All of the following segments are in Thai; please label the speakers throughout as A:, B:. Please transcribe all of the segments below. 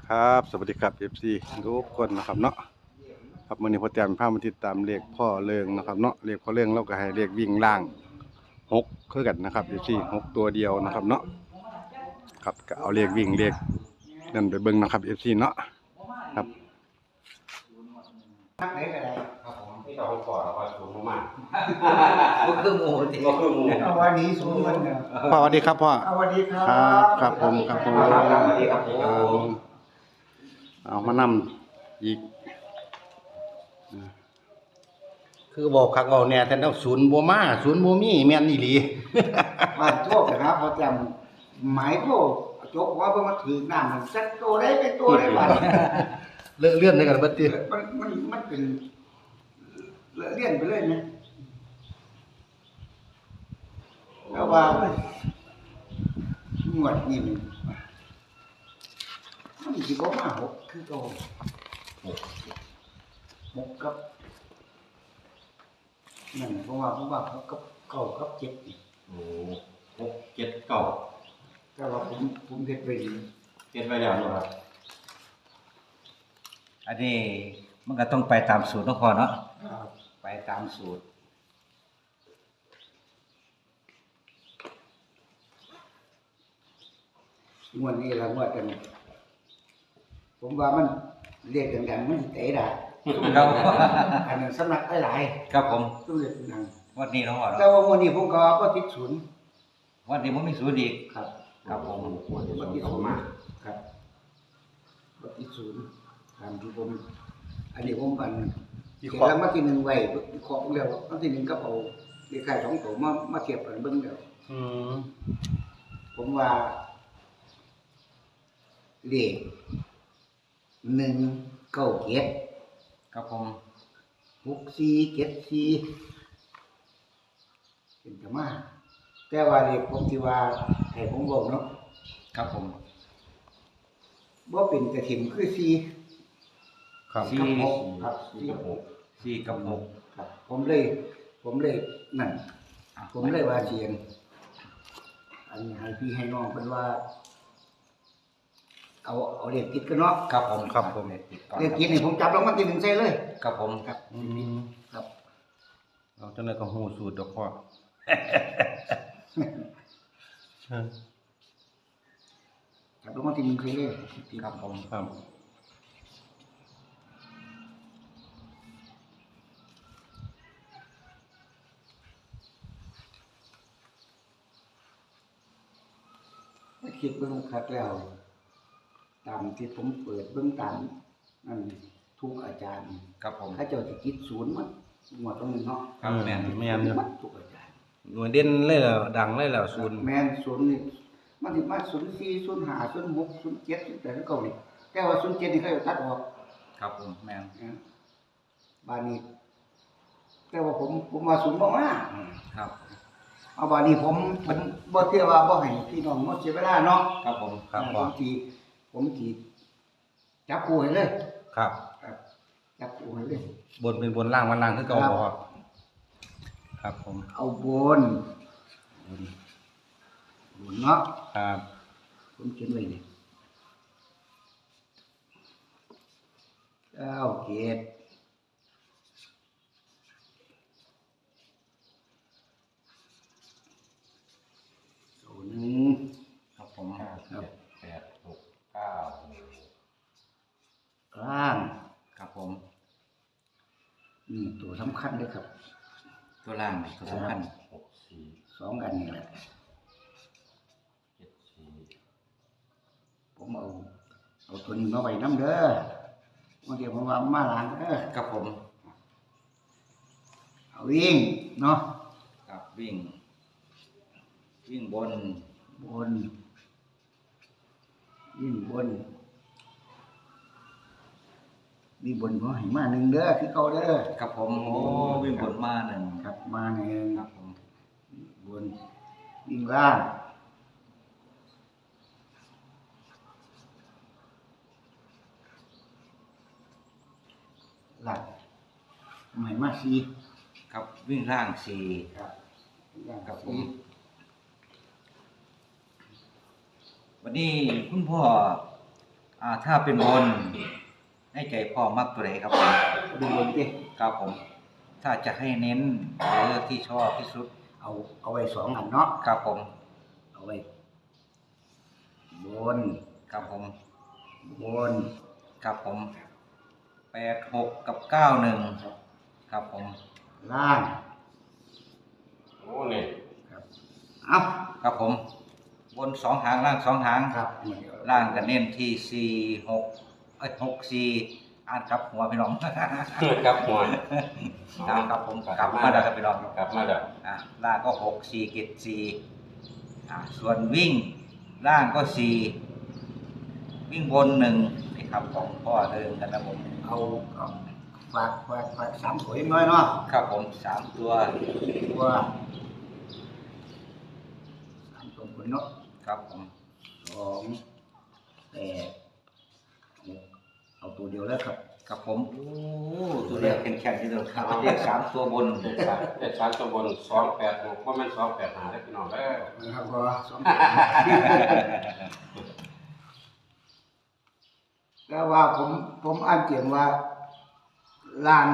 A: ครับสวัสดีครับ FC ทุกคนนะครับเนาะครับมื้อนี้พ่อแต้มพามาติดตามเลขพ่อเริงนะครับเนาะเลขพ่อเริงเราก็ให้เลขวิ่งล่าง6คือกันนะครับ FC 6ตัวเดียวนะครับเนาะครับก็เอาเลขวิ่งเลขนั่นไปเบิ่งนะครับ FC เนาะครับ
B: ทักไหนก็ได้
C: ครับผมที่เราขอเราก็สูงมาก
B: ก็คือหมูติ
C: ก็คือหมู
B: เอาวันนี้สูงเหมือนกัน
A: พ่อสวัสดีครับพ่อ
B: เอาวันนี้ครับ
A: ครับผมครับผม
C: ครับสวัสดีครับผม
A: เอามานำอีก
D: คือบอกคักเอาแน่แต่ต้องศูนย์บ่มาศูนย์บ่มีแม่นอีหลี
B: บ้านโชคนะครับพอจำหมายโทษโจกว่าเพิ่งมาถือน้ำมันสักตัวได้เป็นตัวได้บ้าน
D: เลื่อนได้กันเบิดติ
B: มันเป็นเลี่ยนไปเลยนะแล้วว่าหมวดนี่มันสิบ่มาหกคือโตหกกับนั่นเพราะว่าหกกับเก้ากับเจ็ดนี่
C: โอ้6 7 9
B: แต่ว่าผมเฮ็ดไปดี
C: เจ็ดไว้แล้วเนาะครับ
D: อันนี้มันก็ต้องไปตามสูตรเนาะพ่อเนาะ
B: ไปตามสูตร งวดนี้ละงวดกัน ผมว่ามันเรียกดังๆมันสิเตะได้
D: ครับ
B: อันนั้นสำนักหลาย
D: ครับผม
B: ๆต้องเรียกดัง
D: วันนี้เนาะพ่อ
B: แต่
D: เนาะ
B: ว่างวดนี้ผมก็ติดศูนย์
D: วันนี้บ่มีศูนย์อีก
B: ครับ
D: ครับผม
C: ควรจะสูงเขามาก
B: ครับบ่ติดศูนย์ตามที่ผมอันนี้ผมอันเขียนแล้วมาที่หนึ่งไว้ของแล้วมาที่หนึ่งก็เอาเลขท้าย2ตัวมาเทียบกันเบิ่งแล้ว
D: อืม
B: ผมว่าเลข197
D: ครับผม
B: 6474เป็นธรรมะแต่ว่าเลขผมที่ว่าให้ผมบอกเนาะ
D: ครับผม
B: บ่เป็นกระถิ่มคือ4
A: ครับ
B: กับ6ครับ
C: 4 กับ
D: 4กับ6
B: ครับผมเลยนั่นผมเลยว่าเสียงอันให้พี่ให้น้องเพิ่นว่า เอาเลขติดกันเนาะ
D: ครับผม
A: ครับผม
B: เลขติดนี่ผมจับรางวัลที่1ใส่เลย
D: ครับผม
B: ครับ
A: อืม
B: ครับ
A: เอาจังได๋ก็ฮู้สูตรดอกพ่อ
B: จับรางวัลที่1ใส่เลย
D: ครับผม
A: ครับ
B: คิดเบิ่งคักแล้ว ตามที่ผมเปิดเบิ่งตามนั่นทุกอาจารย์
D: ครับผม
B: เขาเจ้าสิคิดศูนย์มันงวดตรงนี้เนาะ
D: ครับแม่น
A: แม่นอยู่
B: มันทุกอาจารย์
A: หน่วยเด่นเลยแล้วดังเลยแล้วศูนย์
B: แม่นศูนย์นี่มันสิมา04 05 06 07 08 09นี่แต่ว่า07นี่เขาจะตัดออก
D: ครับผมแม่น
B: นะบ้านนี้แต่ว่าผมว่าศูนย์บ่มา
D: ครับ
B: เอาบ้านนี้ผมบ่เที่ยวว่าบ่ให้พี่น้องหมดเสียเวลาเนาะ
D: ครับผม
A: ครับ
B: ผ
A: พ่อ
B: มสิจับคู่ให้เลย
A: ครับ
B: ครับจับคู่ให้เลย
A: บนเป็นบนล่างมันล่างคือเก่าบ่ครับครับผม
B: เอาบนเนาะ
A: ครับ
B: ผมเขียนไว้นี่เกต1
D: ครับผม
C: 5 7 8 6 9
B: กลาง
D: ครับผม
B: นี่ตัวสำคัญเลยครับ
D: ตัวล่างตัวสำคัญ
C: 6 4
B: 2อันนี่แหละ
C: 7 4
B: ผมเอาตัวนี้มาไว้น้ำเด้อวันเดียวผมว่ามาล้างเด้อ
D: ครับผม
B: เอาวิ่งเนาะ
D: ครับวิ่งบน
B: บนวิ่งบนมีบนก็ให้มา1เด้อคือเก่าเด้อ
D: ครับผมโอ้วิ่งบนมาหนึ่ง
B: ครับมาหนึ่ง
D: ครับผม
B: บนวิ่งล่างหลักใหม่มาสี่
D: ครับวิ่งล่างสี่
B: ครับล่าง
D: ครับผ
B: สี่
D: มวันนี้คุณพ่อ
E: ถ้าเป็นบนให้ใจพ่อมักตัวไหนครับผม
B: ดูบนดิ
E: ครับผม ถ้าจะให้เน้นหรือที่ชอบที่สุด
B: เอาไว้2อันเนาะ
E: ครับผม
B: เอาไว้บน
E: ครับผม
B: บน
E: ครับผม86กับ91ครับผม
B: ล่าง
C: โอ้นี่
B: ครับเอา
E: ครับผม บน2หางล่าง2หาง
B: ครับ
E: ล่างก็เน้นที่64อ่านครับหัวพี่น้อง
C: ครับหัว
E: ครับผมกลับมาแล้วครับพี่น้อง
C: กลับมาแล้ว
E: ล่างก็6 4 7 4ส่วนวิ่งล่างก็4วิ่งบน1นี่ครับของพ่อเดิมกันนะผม
B: เอาฝาก3ตัวน้อยเนาะ
E: ครับผม3ตัว
B: ตัว3ตัวบนเนาะ
E: ครับผม
B: 2 8 6เอาตัวเดียวแล้วครับ
E: ครับผมโอ้ตัวเดียวแข็งๆที่เดียวครับเรียก3ตัวบน
C: เลข3ตัวบน286บ่แม่น285ได้อพี่น้องเด้อ
B: นะครับก็แล้วว่าผมอ่านเขียนว่าลาน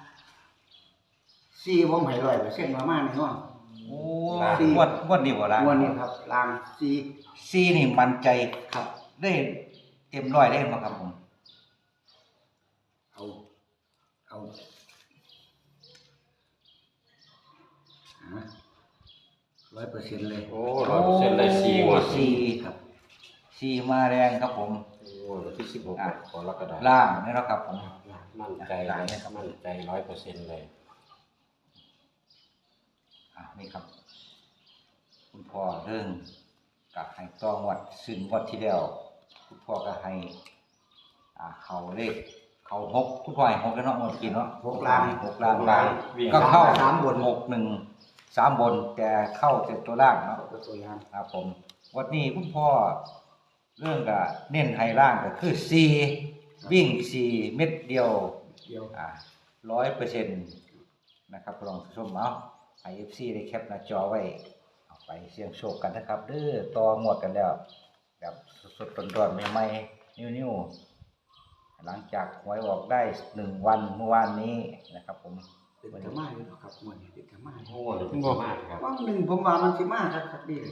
B: ซีผมให้100%มาแน่นอน
E: โอ้งวดนี้บ่ล่ะ
B: วันนี้ครับลานซี
E: ซีนี่มั่นใจ
B: ครับ
E: ได้เต็มร้อยได้บ่ครับผม
B: เอา100%เลย
C: โอ้100%ได้4งวด
E: สี่
B: ครับ
E: ซีมาแรงครับผม
C: โอ้วันที่16กรกฎาคม
E: ล่างนี่เนาะครับผม
C: มั่นใจมั่นใจ 100%เลย
E: นี่ครับ คุณพ่อเรื่องกับให้ตองวัดซึ่งวัดที่แล้วคุณพ่อก็ให้เขาเลขเขา6คุณพ่อให้6แล้วเนาะหมดกินเนาะ
B: 6ล้าน
E: 6ล้าน
C: ล่างวิ่ง
E: ก็เข้า
B: สามบน
E: 6 1 3บนแต่เข้าแต่ตัวล่างเนาะ
B: ตัวอย่าง
E: ครับผมวันนี้คุณพ่อเรื่องกับเน้นไฮล่างก็คือ4วิ่ง4เม็ดเดียว
B: เดียว
E: 100%นะครับลองชมเอาไอเอฟซีได้แคปหน้าจอไว้เอาไปเสี่ยงโชคกันนะครับเด้อต่อหมวดกันแล้วแบบสดๆร้อนๆใหม่ๆนิ้วๆหลังจากหวยออกได้1วันเมื่อวานนี้นะครับผม
B: เป็นธรรมะอยู่ครับมันเป็นธรรมะ
C: โอ้นี่บ่มากครับ
B: ว่าหนึ่งผมว่ามันสิมากครับดีเลย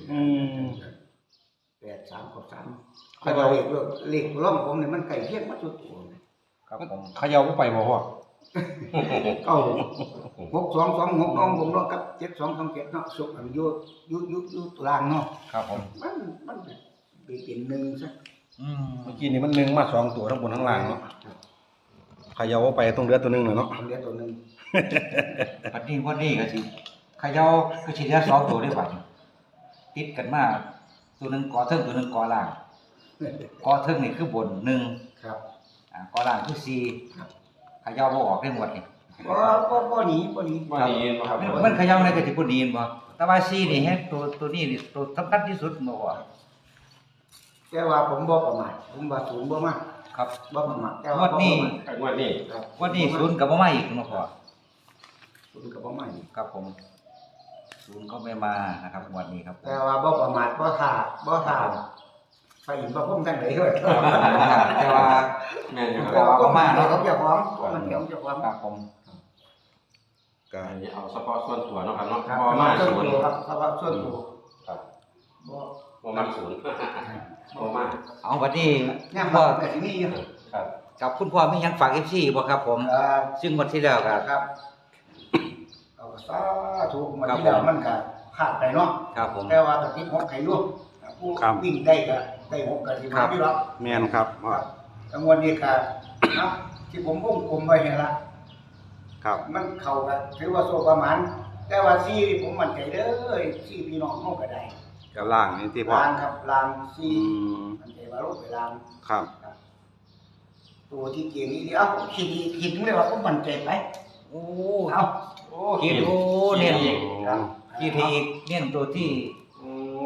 B: 8 3กับ3แต่ว่าเลขร่องผมเนี่ยมันใกล้เคียงมาจุดตัว
E: ครับผม
A: เขย่าบ่ไปบ่พ่อ
B: เก้า6 2 2 6น้องผมเนาะกับ7 2 2 7เนาะสุกอันอยู่ตารางเนาะ
E: ครับผม
B: มันเป็นหนึ่งซะ
A: เมื่อกี้นี่มัน1มา2ตัวทั้งบนทั้งล่างเนาะเขย่าบ่ไปต้องเหลือตัวหนึงน่ะเนาะ
B: ผมเรียกตัวหนึง
E: วันนี้ก็สิเขย่าก็สิเหลือ2ตัวได้บัดนี้ติดกันมาตัวหนึงกอเทิงตัวหนึงกอล่างกอเทิงนี่คือบน1
B: ครับ
E: กอล่างคือ4เขย่าบ่ออกได้หมดนี่
B: บ่หนี
C: บ่ดีบ่ครับ
E: มันเขย่าในกระติบ่ดีนบ่แต่ว่าซีนี่แฮะตัวนี้นี่ตัวสำคัญที่สุดบ่ว่า
B: แต่ว่าผมบ่ประมาทผมว่าสูงบ่มาก
E: ครับ
B: บ่ประมาทแต่
E: ง
B: ว่าว
E: ดนี้
C: งวดนี้
B: ครับ
E: วันนี้ศูนย์ก็บ่มาอีกเนาะพ่อ
B: สูงกับบ่มาอีก
E: ครับผมศูนย์ก็ไม่มานะครับงวดนี้ครับผม
B: แต่ว่าบ่ประมาทบ่ท่าไปอีกบ่พุ่มทั้งไหนเด้อ
E: แต่ว่า
C: แม่นอยู่ค
B: แต่
C: รับ
B: ว่าบ่มาเนาะเจ้าของมันเหี่ยวเจ้าของ
E: ครับผม
A: ก็
C: อันนี้เอาเฉพาะส่วนตัวเนาะครับเนาะ
B: ครับ
C: บ่มา
B: ส่วน
C: ศูนย์
B: ตัวครับเพราะว่าส่วนตัว
C: ครับ
B: บ่
C: บ่มาศูนย์บ่มา
E: เอาวันนี้
B: ย่าง
E: พ่
B: บ่
E: อ
B: แต่สิมีอยู่
C: ครับ
E: กับคุณพ่อมีหยังฝาก FC บ่ครับผม
B: ครับ
E: ซึ่งวันที่แล้วก็
B: ครับเอาสาธุมาที่แล้วมันก็พลาดไปเนาะ
E: ครับผม
B: แต่ว่าตะกี้6ให้อยู่ผู้วิ่งได้ก็ได้6ก็สิมาอยู่หรอก
A: แม่นครับพ่อ
B: จังวันนี้ก็เนาะที่ผมวงกลมไว้นี่ล่ะ
A: ครับ
B: มันเข้ากันถือว่าโซประมาณแต่ว่าซีนี่ผมมั่นใจเด้อซีพี่น้องเฮาก็ได้
A: กับล่างนี่ที่พ่อ
B: ลางครับลางซี
A: อืม
B: มั่นใจว่าลงไปลาง
A: ครับ
B: ครับตัวที่เก่งนี่เอ้าคิดเลยว่าผมมั่นใจไป
E: โอ้
B: เอ้า
C: โอ้
E: คิดโอ้เน้น
B: ครับ
E: คิดอีกเน้นตัวที่
C: โอ้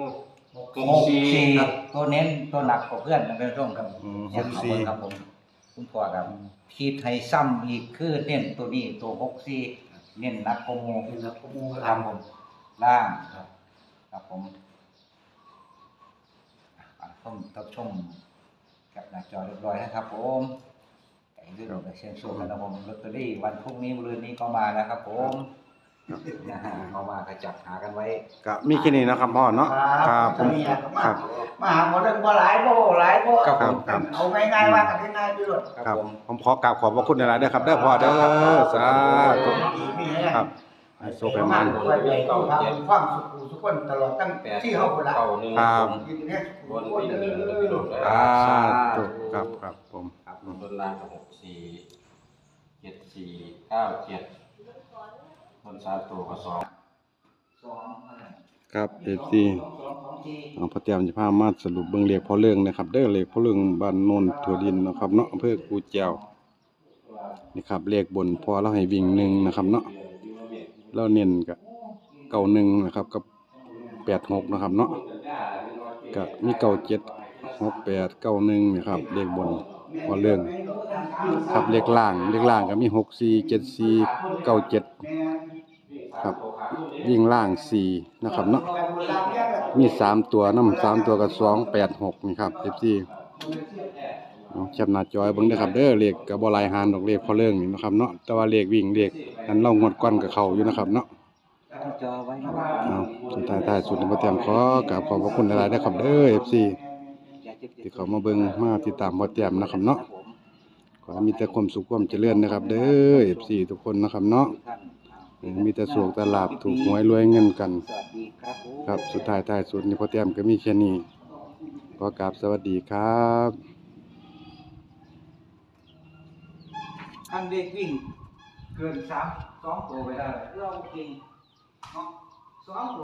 E: 64ตัวเน้นตัวหนักกว่าเพื่อนนะเป็นร่วมครับ
A: อืม
E: เสียงเอาเบิ่งครับผมคุณพ่อครับคิดให้ซ้ำอีกคือเน้นตัวนี้ตัว64เน้นหนักกว่าหมู่
B: เป็นครับผม
E: ครั
B: ลา
E: บ
B: ง
E: ผมล่าง
B: ครับ
E: ครับผมท่านชมแคปหน้าจอเรียบร้อยนะครับผมไอ้เรื่องเชียงโชคนะครับผมลอตเตอรี่วันพรุ่งนี้มะรืนนี้ก็มาแล้วครับผมนะฮะเอามาก็จับหากันไว้
A: ก็มีแค่นี้นะครับพ่อเนาะครับผมครับ
B: มาหาหมอเรื่องบ่หลายบ่หลายบ่
A: ครับผมครับ
B: เอาง่ายๆว่ากันง่ายๆด้วย
A: ครับผมขอกราบขอบพระคุณหลายๆเด้อครับเด้อพ่อเด้อสาธุครับให้โชคให้มัน
B: ไว้ใจต้องทำความสุขสุขคนตลอดตั้ง
C: แปด
B: ที่เฮาพุ่นละ
C: เก้าหนึ่ง
A: ครับ
B: ยินดีเนี่ย
C: บนวิ่งหนึ่งแล้วพี่น้อง
A: สาธุครับครับผม
C: ครับบนล่างกับ6 4 7 4 9 7บน3ตัวก็2
A: ครับ FC เอาพระเตรียมจะพามาสรุปเบิ่งเลขพอเรื่องนะครับเด้อเลขพอเรื่องบ้านโนนถั่วดินนะครับเนาะอำเภอกูแจวนี่ครับเลขบนพอเราให้วิ่ง1นะครับเนาะแล้วเน้นก็91นะครับกับ86นะครับเนาะก็มี97 68 91นะครับเลขบนพอเรื่องครับเลขล่างก็มี64 74 97ครับวิ่งล่าง4นะครับเนาะมี3ตัวนำ3ตัวก็286นี่ครับ FC เอาแคปหน้าจอไว้เบิ่งเด้อครับเด้อเลขก็บ่หลายหารดอกเลขพอเรื่องนี่นะครับเนาะแต่ว่าเลขวิ่งเลขนั้นเรางวดก่อนก็เข้าอยู่นะครับเนาะ
E: จอไว้
A: เอาสุดท้ายสุดนี้บ่เตรียมขอกราบขอบพระคุณหลายๆเด้อครับเด้อ FC ที่เขามาเบิ่งมาติดตามบ่เตรียมนะครับเนาะขอให้มีแต่ความสุขความเจริญนะครับเด้อ FC ทุกคนนะครับเนาะมีแต่โชคแต่ลาภถูกหวยรวยเงินกัน
E: สวัสดีครับผม
A: ครับสุดท้ายสุดนี้พ่อเตรียมก็มีแค่นี้ขอกราบสวัสดีครับ
E: อันเด็กวิ่งเกิน2ตัวไปได้เราจริงเนาะ2ตัว